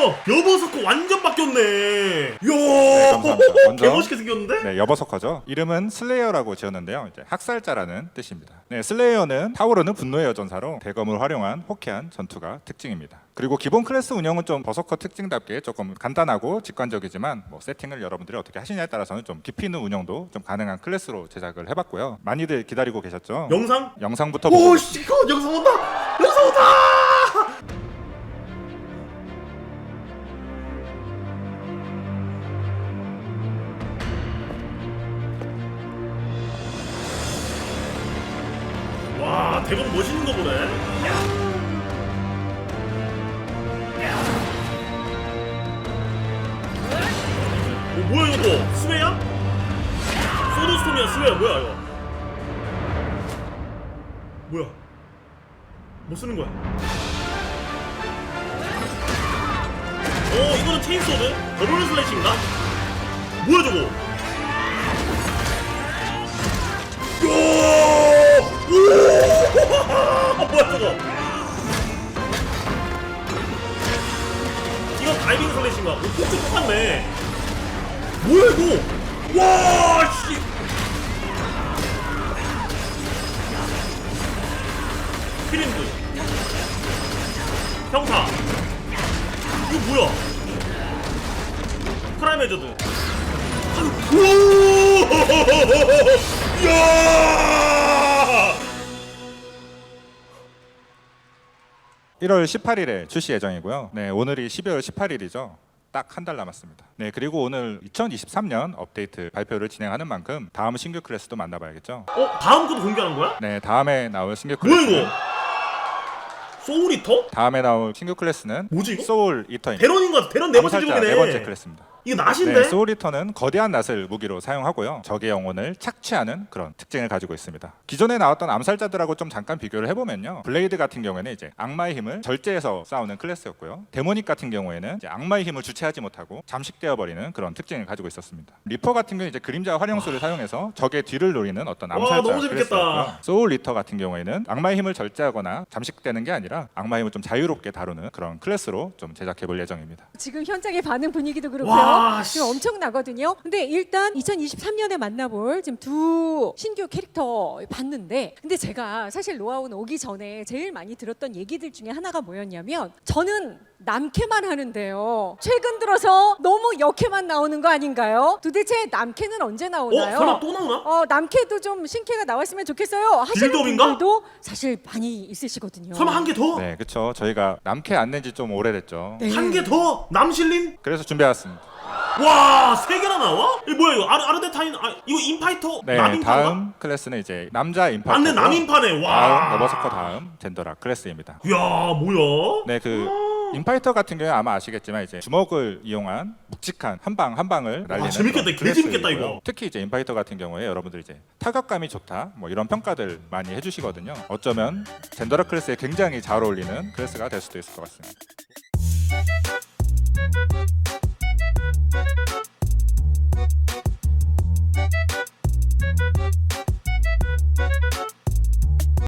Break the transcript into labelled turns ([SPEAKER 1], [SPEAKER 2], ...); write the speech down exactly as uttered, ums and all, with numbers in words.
[SPEAKER 1] 여버서커 완전 바뀌었네. 이야,
[SPEAKER 2] 네, 감사합니다. 먼저
[SPEAKER 1] 개멋있게 생겼는데?
[SPEAKER 2] 네, 여버서커죠. 이름은 슬레이어라고 지었는데요. 이제 학살자라는 뜻입니다. 네, 슬레이어는 타오르는 분노의 여전사로 대검을 활용한 호쾌한 전투가 특징입니다. 그리고 기본 클래스 운영은 좀 버서커 특징답게 조금 간단하고 직관적이지만 뭐 세팅을 여러분들이 어떻게 하시냐에 따라서는 좀 깊이 있는 운영도 좀 가능한 클래스로 제작을 해봤고요. 많이들 기다리고 계셨죠?
[SPEAKER 1] 영상?
[SPEAKER 2] 영상부터 보고
[SPEAKER 1] 오, 씨, 이거 영상 온다! 영상 온다! 와, 대박 멋있는 거 보네. 야. 어, 뭐야 이거? 스웨야? 소드스톰이야, 스웨야, 뭐야 이거? 뭐야? 뭐 쓰는 거야? 어, 이거는 체인소드? 더블 슬래시인가? 뭐야 저거? 야! 오! 뭐야 저거? 이건 다이빙 슬래시인가? 오, 폭주 똑같네. 뭐야 이거? 와, 씨! 크림드 평타. 이거 뭐야? 프라임 해저드. 오! 야!
[SPEAKER 2] 일월 십팔일에 출시 예정이고요. 네, 오늘이 십이월 십팔일이죠. 딱 한 달 남았습니다. 네, 그리고 오늘 이천이십삼년 업데이트 발표를 진행하는 만큼 다음 신규 클래스도 만나봐야겠죠.
[SPEAKER 1] 어? 다음 것도 공개하는 거야?
[SPEAKER 2] 네, 다음에 나올 신규
[SPEAKER 1] 뭐야
[SPEAKER 2] 클래스.
[SPEAKER 1] 이거? 소울 이터?
[SPEAKER 2] 다음에 나올 신규 클래스는
[SPEAKER 1] 뭐지 이거?
[SPEAKER 2] 소울 이터입니다.
[SPEAKER 1] 대런인 것 같아. 대런 네 번째
[SPEAKER 2] 암살자
[SPEAKER 1] 제목이네.
[SPEAKER 2] 네 번째 클래스입니다.
[SPEAKER 1] 이거 낫인데?
[SPEAKER 2] 네, 소울 리턴은 거대한 낫을 무기로 사용하고요. 적의 영혼을 착취하는 그런 특징을 가지고 있습니다. 기존에 나왔던 암살자들하고 좀 잠깐 비교를 해보면요. 블레이드 같은 경우에는 이제 악마의 힘을 절제해서 싸우는 클래스였고요. 데모닉 같은 경우에는 이제 악마의 힘을 주체하지 못하고 잠식되어 버리는 그런 특징을 가지고 있었습니다. 리퍼 같은 경우는 이제 그림자 활용술을 사용해서 적의 뒤를 노리는 어떤
[SPEAKER 1] 와,
[SPEAKER 2] 암살자
[SPEAKER 1] 너무 재밌겠다.
[SPEAKER 2] 클래스였고요. 소울 리터 같은 경우에는 악마의 힘을 절제하거나 잠식되는 게 아니라 악마의 힘을 좀 자유롭게 다루는 그런 클래스로 좀 제작해볼 예정입니다.
[SPEAKER 3] 지금 현장의 반응 분위기도 그렇고요.
[SPEAKER 1] 와,
[SPEAKER 3] 지금 엄청 나거든요. 근데 일단 이천이십삼년에 만나볼 지금 두 신규 캐릭터 봤는데, 근데 제가 사실 노아운 오기 전에 제일 많이 들었던 얘기들 중에 하나가 뭐였냐면, 저는 남캐만 하는데요, 최근 들어서 너무 여캐만 나오는 거 아닌가요? 도대체 남캐는 언제 나오나요?
[SPEAKER 1] 어? 설마 또 나오나?
[SPEAKER 3] 어, 남캐도 좀 신캐가 나왔으면 좋겠어요 하시는
[SPEAKER 1] 빌드업인가?
[SPEAKER 3] 분들도 사실 많이 있으시거든요.
[SPEAKER 1] 설마 한 개 더?
[SPEAKER 2] 네, 그렇죠. 저희가 남캐 안 낸 지 좀 오래됐죠.
[SPEAKER 3] 네.
[SPEAKER 1] 한 개 더? 남실린?
[SPEAKER 2] 그래서 준비해왔습니다.
[SPEAKER 1] 와, 세 개나 나와? 이거 뭐야 이거? 아르, 아르데타인, 아, 이거 인파이터?
[SPEAKER 2] 네,
[SPEAKER 1] 남인파인가?
[SPEAKER 2] 다음 클래스는 이제 남자 인파이터.
[SPEAKER 1] 맞네, 남인파네. 와.
[SPEAKER 2] 다음 여버서커 다음 젠더라 클래스입니다.
[SPEAKER 1] 이야, 뭐야?
[SPEAKER 2] 네, 그 인파이터 같은 경우에 아마 아시겠지만 이제 주먹을 이용한 묵직한 한 방 한 방을 날리는
[SPEAKER 1] 재밌겠다.
[SPEAKER 2] 그런
[SPEAKER 1] 개 재밌겠다,
[SPEAKER 2] 클래스이고요.
[SPEAKER 1] 이거.
[SPEAKER 2] 특히 이제 인파이터 같은 경우에 여러분들 이제 타격감이 좋다 뭐 이런 평가들 많이 해주시거든요. 어쩌면 젠더라 클래스에 굉장히 잘 어울리는 클래스가 될 수도 있을 것 같습니다.